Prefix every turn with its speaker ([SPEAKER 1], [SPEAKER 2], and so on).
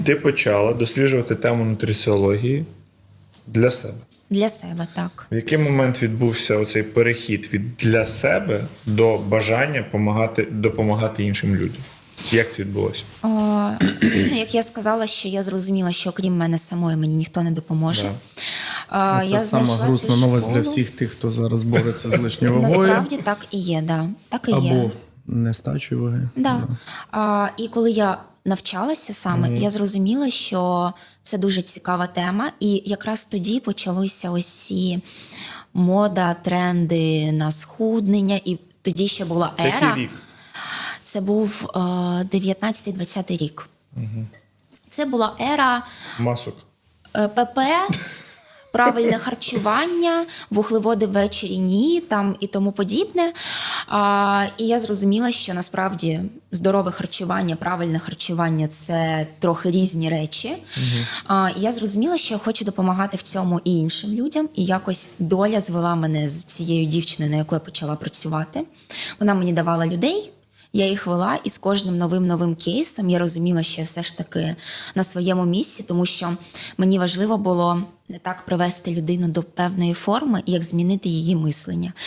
[SPEAKER 1] Ти почала досліджувати тему нутриціології для себе.
[SPEAKER 2] Для себе, так.
[SPEAKER 1] В який момент відбувся оцей перехід від для себе до бажання допомагати іншим людям? Як це відбулося?
[SPEAKER 2] Як я сказала, що я зрозуміла, що окрім мене самої мені ніхто не допоможе.
[SPEAKER 1] Да.
[SPEAKER 3] Це сама грустна новость для всіх тих, хто зараз бореться з лишньою вагою.
[SPEAKER 2] Насправді так і є, да. Так і є.
[SPEAKER 3] Або нестачою ваги.
[SPEAKER 2] Да. І коли я навчалася саме, я зрозуміла, що це дуже цікава тема. І якраз тоді почалися ось ці мода, тренди на схуднення. І тоді ще була
[SPEAKER 1] Це
[SPEAKER 2] ера.
[SPEAKER 1] який рік?
[SPEAKER 2] Це був 19-20 рік. Це була ера
[SPEAKER 1] Масок.
[SPEAKER 2] ПП, правильне харчування, вуглеводи ввечері ні, там і тому подібне. І я зрозуміла, що насправді здорове харчування, правильне харчування – це трохи різні речі. І я зрозуміла, що я хочу допомагати в цьому і іншим людям. І якось доля звела мене з цією дівчиною, на яку я почала працювати. Вона мені давала людей. Я їх вела, і з кожним новим кейсом я розуміла, що я все ж таки на своєму місці, тому що мені важливо було не так привести людину до певної форми, як змінити її мислення.